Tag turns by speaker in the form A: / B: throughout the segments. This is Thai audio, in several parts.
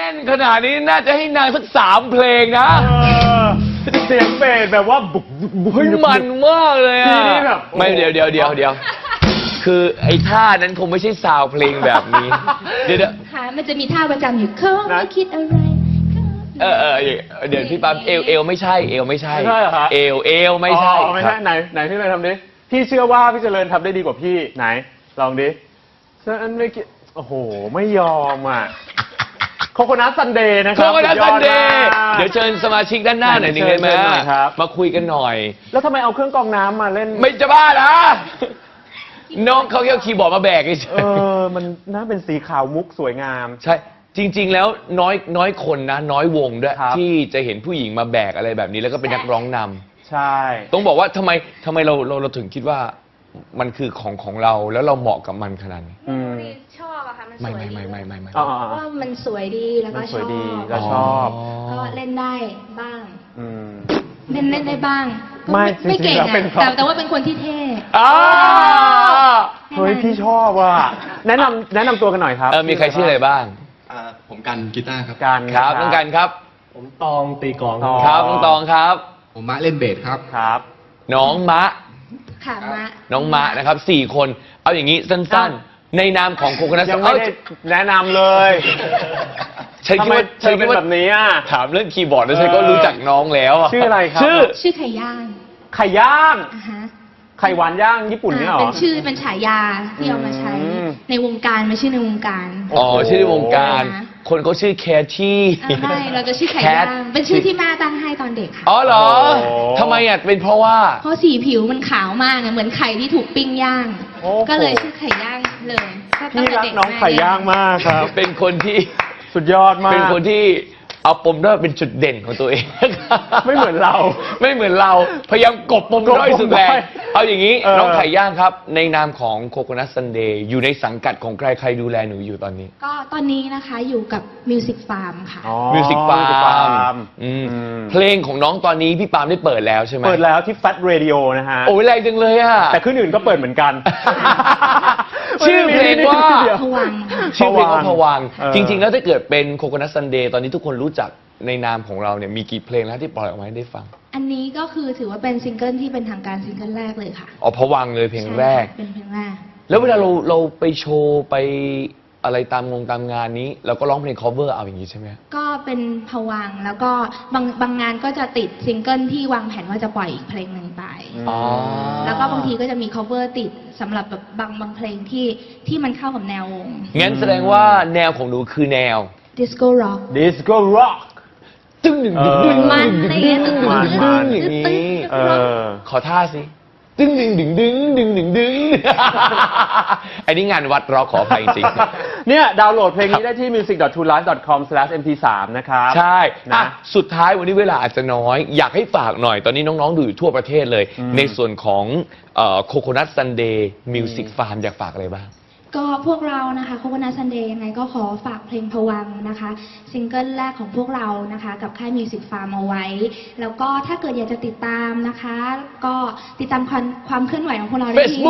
A: นขนาดนี้น่าจะให้นางสัก3 เพลงนะ
B: เสียงเบสแบบว่าบุก
A: เฮ้ยมันมากเลยอ่ะ
B: นี่แบบ
A: ไม่เดี๋ยวคือไอ้ท่านั้นคงไม่ใช่ซาวเพลงแบบนี้เดี๋ยว
C: ค่ะมันจะมีท่าประจำอยู่เขาไม่คิดอะไร
A: เดี๋ยวพี่ปั๊มเอวไม่ใช่เอวไม่ใช่
B: ใช่เหรอครับ
A: เอวไม่ใช่
B: ไม่ใช่ไหนพี่เจริญทำดิพี่เชื่อว่าพี่เจริญทำได้ดีกว่าพี่ไหนลองดิฉันไม่คิดโอ้โหไม่ยอมอ่ะโคโคนัทซันเดย์นะครับ
A: โคโคนัทซันเดย์เดี๋ยวเชิญสมาชิกด้านหน้าหน่อยนึงเลยไหมมาคุยกันหน่อย
B: แล้วทำไมเอาเครื่องกรองน้ำมาเล่น
A: ไม่จะบ้านะน้องเขาแค่คีย์บอร์ดมาแบกเฉย
B: มันน่าเป็นสีขาวมุกสวยงาม
A: ใช่จริงๆแล้วน้อยคนนะน้อยวงด้วยที่จะเห็นผู้หญิงมาแบกอะไรแบบนี้แล้วก็เป็นนักร้องนำ
B: ใช่
A: ต้องบอกว่าทำไมเราถึงคิดว่ามันคือของเราแล้วเราเหมาะกับมันขนาดนี้
C: ชอบอะค่ะมันสวยดี
A: ไม่
C: ว่ามันสวยดีแล้วก็ช
B: อบ
C: ก็เล่นได้บ้างเล่นได้บ้างไม่เก่งแต่ว่าเป็นคนที่เท่
B: เฮ้ยพี่ชอบว่ะแนะนำตัวกันหน่อยครับ
A: มีใครชื่ออะไรบ้าง
D: ผมกันกีตาร์ครับ
B: กัน
A: ครับน้องกันครับ
D: ผมตองตีกลอง
A: ครับน้องตองครับ
D: ผมมะเล่นเบสครับ
B: ครับ
A: น้องมะ
C: ค่ะมะ
A: น้องมะนะครับ4 คนเอาอย่างนี้สั้นๆในนามของโคโคนัท
B: ยังไม่ได้แนะนำเลย
A: ฉันคิดว่า
B: เป็นแบบนี้อ่ะ
A: ถามเรื่องคีย์บอร์ดแล้วฉันก็รู้จักน้องแล้ว
B: ชื่ออะไรครับ
C: ชื่อไข่ย่าง
B: ไข่ย่างไข่หวานย่างญี่ปุ่นเนี่ยหรอ
C: เป็นฉายาที่เอามาใช้ในวงการไม่ใช่ในวงการ
A: ชื่อในวงการคนเขาชื่อแคทที่
C: ใช่เราจะชื่อไข่ย่างเป็นชื่อที่แม่ตั้งให้ตอนเด็กค่ะ
A: อ๋อเหรอทำไมอ่ะเป็นเพราะว่า
C: สีผิวมันขาวมากเหมือนไข่ที่ถูกปิ้งย่างก็เลยชื่อไข่ย่างเลย
B: พี่รักน้องไข่ย่างมากครับ
A: เป็นคนที่
B: สุดยอดมาก
A: เป็นคนที่เอาปมด้อยเป็นจุดเด่นของตัวเอง
B: ไม่เหมือนเรา
A: พยายามกบปมด้อยสุดแรงเอาอย่างนี้น้องไข่ย่างครับในนามของโคโคนัทซันเดย์อยู่ในสังกัดของใครดูแลหนูอยู่ตอนนี้
C: ก็ตอนนี้นะคะอยู่กับมิวสิกฟาร์มค่ะ
A: มิวสิกฟาร์มเพลงของน้องตอนนี้พี่ปาล์มได้เปิดแล้วใช่ไหม
B: เปิดแล้วที่แฟตเรดิโอนะฮะ
A: โอ้ยแรงจังเลยอ่ะ
B: แต่ขึ้นอื่นก็เปิดเหมือนกัน
A: ชื่อเพลงว่า
C: ผวัง
A: ชื่อเพลงว่าผวังจริงๆแล้วถ้าเกิดเป็นโคโคนัทซันเดย์ตอนนี้ทุกคนรู้จักในนามของเราเนี่ยมีกี่เพลงแล้วที่ปล่อยออกมาให้ได้ฟัง
C: อันนี้ก็คือถือว่าเป็นซิงเกิลที่เป็นทางการซิงเกิลแรกเลยค่ะ
A: ผวังเลยเพลงแรก
C: เป็นเพลงแรก
A: แล้วเวลาเราไปโชว์ไปอะไรตามงานนี้เราก็ร้องเพลง cover เอาอย่างนี้ใช่ไหม
C: ก็เป็นผวังแล้วก็บางงานก็จะติดซิงเกิลที่วางแผนว่าจะปล่อยอีกเพลงหนึ่งไปแล้วก็บางทีก็จะมี cover ติดสำหรับแบบบางเพลงที่มันเข้ากับแนววง
A: งั้นแสดงว่าแนวของหนูคือแนว
C: disco rock
A: ตึ้งหนึ่ง
C: มันอย่างนี้
A: ขอท่าสิตึ้งดึงอันนี้งานวัดร็อกขออภัยจริง
B: เนี่ยดาวน์โหลดเพลงนี้ได้ที่ music.tolife.com/mp3 นะครับ
A: ใช่นะสุดท้ายวันนี้เวลาอาจจะน้อยอยากให้ฝากหน่อยตอนนี้น้องๆดูอยู่ทั่วประเทศเลยในส่วนของโคโคนัทซันเดย์มิวสิกฟาร์มอยากฝากอะไรบ้าง
C: ก็พวกเรานะคะโคโคนัทซันเดย์ยังไงก็ขอฝากเพลงผวังนะคะซิงเกิลแรกของพวกเรานะคะกับค่ายมิวสิกฟาร์มเอาไว้แล้วก็ถ้าเกิดอยากจะติดตามนะคะก็ติดตามความเคลื่อนไหวของพวกเราได้ที่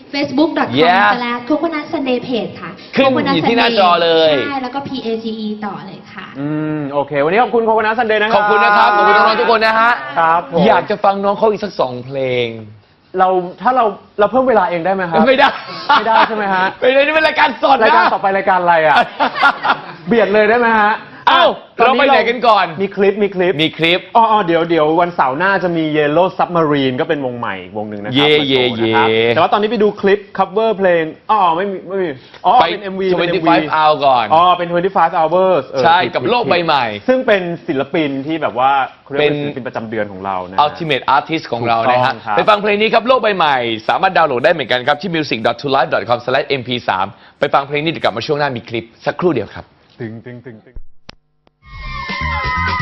C: facebook.com/coconutsunday.page ค่ะ
A: ขึ้นอยู่ที่หน้าจอเลย
C: ใช่แล้วก็ PAGE ต่อเลยค่ะ
B: โอเควันนี้ขอบคุณโคโคนัทซันเดย์นะครับ
A: ขอบคุณนะครับขอบคุณน้องๆทุกคนนะฮะ
B: ครับ
A: อยากจะฟังน้องเขาอีกสัก2 เพลง
B: ถ้าเราเพิ่มเวลาเองได้ไหมครับ
A: ไม่ได้
B: ใช่ไหมฮะ
A: ไม่ได้นี่เป็นรายการสดนะ
B: รายการต่อไปรายการอะไรอ่ะเบียดเลยได้ไหมฮะ
A: เราไปไหนกันก่อน
B: มีคลิปเดี๋ยววันเสาร์หน้าจะมี Yellow Submarine ก็เป็นวงใหม่วงหนึ่งนะครับแต่ว่าตอนนี้ไปดูคลิป cover เพลงไม่มีเป็น MV
A: 25 hours ก่อน
B: เป็น25 hours
A: ใช่กับโลกใบใหม่
B: ซึ่งเป็นศิลปินที่แบบว่าเป็นศิลปินประจำเดือนของเรานะ
A: Ultimate Artist ของเรานะฮะไปฟังเพลงนี้ครับโลกใบใหม่สามารถดาวน์โหลดได้เหมือนกันครับที่ music.tolife.com/mp3 ไปฟังเพลงนี้เดี๋ยวกลับมาช่วงหน้ามีคลิปสักครู่เดียวครับ
B: ตึง